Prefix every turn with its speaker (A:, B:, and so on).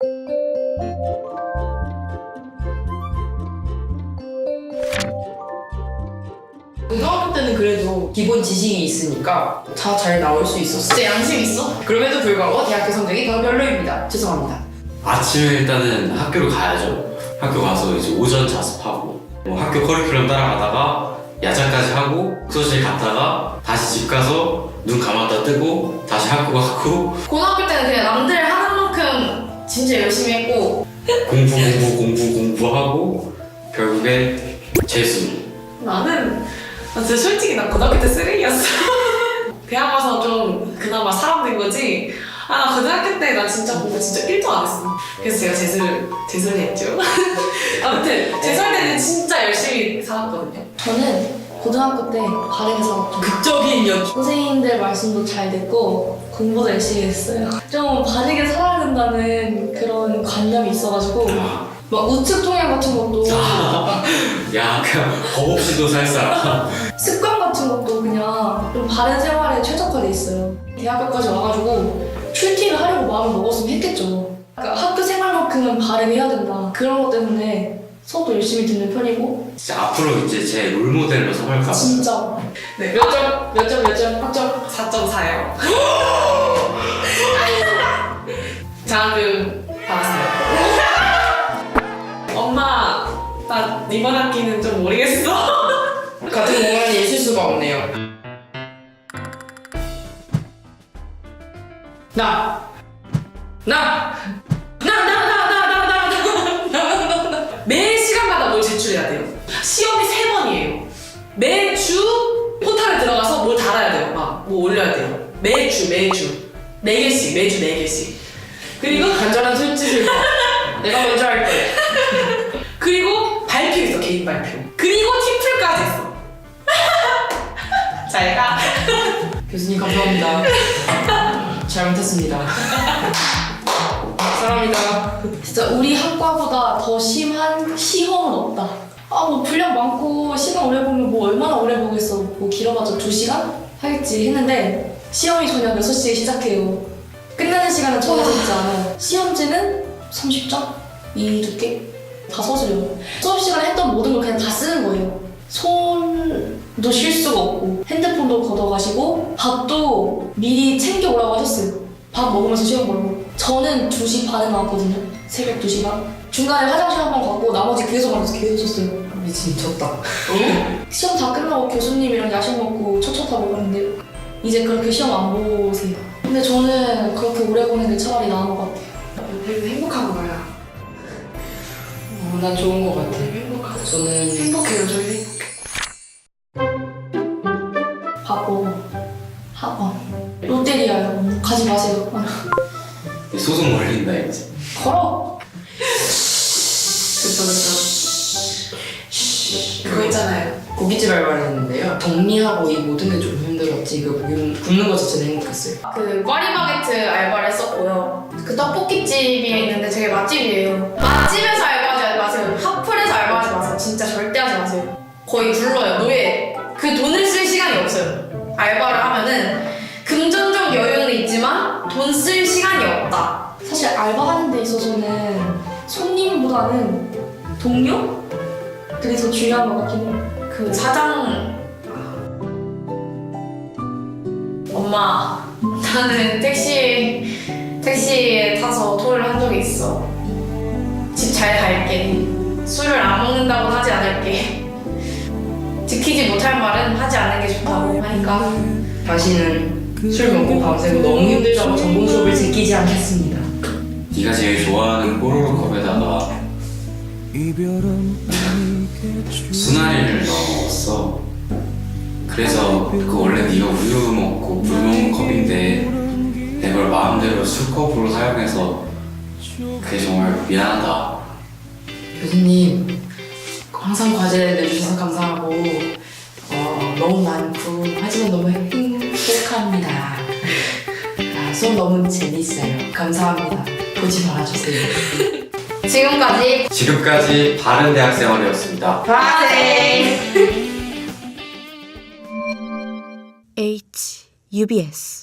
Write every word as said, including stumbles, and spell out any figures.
A: 고등학교 때는 그래도 기본 지식이 있으니까 다 잘 나올 수 있었어.
B: 진짜 양심 있어?
A: 그럼에도 불구하고 대학교 성적이 더 별로입니다. 죄송합니다.
C: 아침에 일단은 학교를 가야죠. 학교 가서 이제 오전 자습하고 뭐 학교 커리큘럼 따라가다가 야자까지 하고 수업실 갔다가 다시 집 가서 눈 감았다 뜨고 다시 학교 가고
B: 고등학교 때는 그냥 남들 하는 만큼 진짜 열심히 했고
C: 공부 공부 공부 공부하고 결국에 재수.
D: 나는 나 진짜 솔직히 나 고등학교 때 쓰레기였어. 대학 와서 좀 그나마 사람 된 거지. 아, 나 고등학교 때 나 진짜 공부 진짜 일도 안 했어. 그래서 제가 재수를 재수를 했죠. 아무튼 재수할 때는 진짜 열심히 살았거든요.
E: 저는 고등학교 때 바르게 살았죠.
A: 극적인 연.
E: 선생님들 말씀도 잘 듣고 공부도 열심히 했어요. 좀 바르게 살아야 된다는 그런 관념이 있어가지고 막 우측 통역 같은 것도
C: 야 그냥 겁 없이도 살 사람.
E: 습관 같은 것도 그냥 좀 바른 생활에 최적화돼 있어요. 대학교까지 와가지고 출티를 하려고 마음을 먹었으면 했겠죠. 그러니까 학교 생활만큼은 바르게 해야 된다. 그런 것 때문에 수업도 열심히 듣는 편이고
C: 진짜 앞으로 이제 제 롤모델로 삼을까 봐.
E: 진짜
D: 네, 몇 점? 몇 점? 몇 점? 학점 사 점 사요. 장학금 받았어요. 엄마, 나 이번 학기는 좀 모르겠어.
A: 같은 공간에 있을 수가 없네요. 나! 나! 나! 나! 나! 나! 나! 나! 나! 나! 나!
D: 매 시간마다 뭘 제출해야 돼요. 시험이 세 번이에요. 매주 포탈에 들어가서 뭘 달아야 돼요. 막 뭐 올려야 돼요. 매주 매주 네 개씩 매주 네 개씩. 그리고
A: 간절한 손짓을 봐. 내가 먼저 할 거야.
D: 그리고 발표 있어. 개인 발표. 그리고 팀플까지 있어. 잘 가.
A: 교수님 감사합니다. 잘못했습니다. 사랑합니다.
E: 진짜 우리 학과보다 더 심한 시험은 없다. 아 뭐 분량 많고 시간 오래 보면 뭐 얼마나 오래 보겠어. 뭐 길어봤자 두 시간 하겠지 했는데 시험이 저녁 여섯 시에 시작해요. 끝나는 시간은 정해져 있지 않아요. 시험지는 삼십 장? 이 두께? 다 서술려요. 수업 시간에 했던 모든 걸 그냥 다 쓰는 거예요. 손도 쉴 수가 없고 핸드폰도 걷어가시고 밥도 미리 챙겨 오라고 하셨어요. 밥 먹으면서 시험 보라고. 저는 두 시 반에 나왔거든요. 새벽 두 시 반. 중간에 화장실 한 번 갔고 나머지 계속 앉아서 계속 썼어요.
A: 미쳤다.
E: 시험 다 끝나고 교수님이랑 야식 먹고 첫차타고 그랬는데 이제 그렇게 시험 안 보세요. 근데 저는 그렇게 오래 보는 게 차라리 나은 것 같아요.
D: 우리는 행복한 거야.
A: 어, 난 좋은 것 같아.
D: 행복하죠.
A: 저는
D: 행복해요. 저희 행복해.
E: 바보 학원 롯데리아요. 가지 마세요.
C: 소송 걸린다 이제.
E: 걸어.
D: 그쵸 그쵸. 그거 있잖아요.
A: 고깃집 알바를 했는데요. 정리하고 이 모든 게 좀 힘들었지. 그 굽는, 굽는 거 자체는 행복했어요.
B: 그 꽈리바게트 알바를 했었고요. 그 떡볶이집이 있는데 되게 맛집이에요. 맛집에서 알바하지 마세요. 핫플에서 알바하지 마세요. 진짜 절대 하지 마세요. 거의 굴러요. 노예. 그 돈을 쓸 시간이 없어요. 알바를 하면은 금전적 여유는 있지만 돈 쓸 시간이 없다.
E: 사실 알바하는 데 있어서는 손님보다는 동료? 그게 더 중요한 것 같긴 해요.
B: 그 사장 엄마 나는 택시 택시에 타서 토를 한 적이 있어. 집 잘 갈게. 술을 안 먹는다고는 하지 않을게. 지키지 못할 말은 하지 않는 게 좋다고 하니까
A: 다시는 술 먹고 밤새고 너무 힘들다고 전공 수업을 제끼지 않겠습니다.
C: 네가 제일 좋아하는 뽀로로 컵에다가 순하리를 넣었어. 그래서 그 원래 네가 우유 먹고 물 먹는 컵인데 내가 그걸 마음대로 술컵으로 사용해서 그게 정말 미안하다.
A: 교수님 항상 과제 내주셔서 감사하고 어, 너무 많고 하지만 너무 행복합니다. 아, 수업 너무 재밌어요. 감사합니다. 보지 말아주세요.
B: 지금까지
C: 지금까지 바른 대학 생활이었습니다.
B: 바세
F: H U B S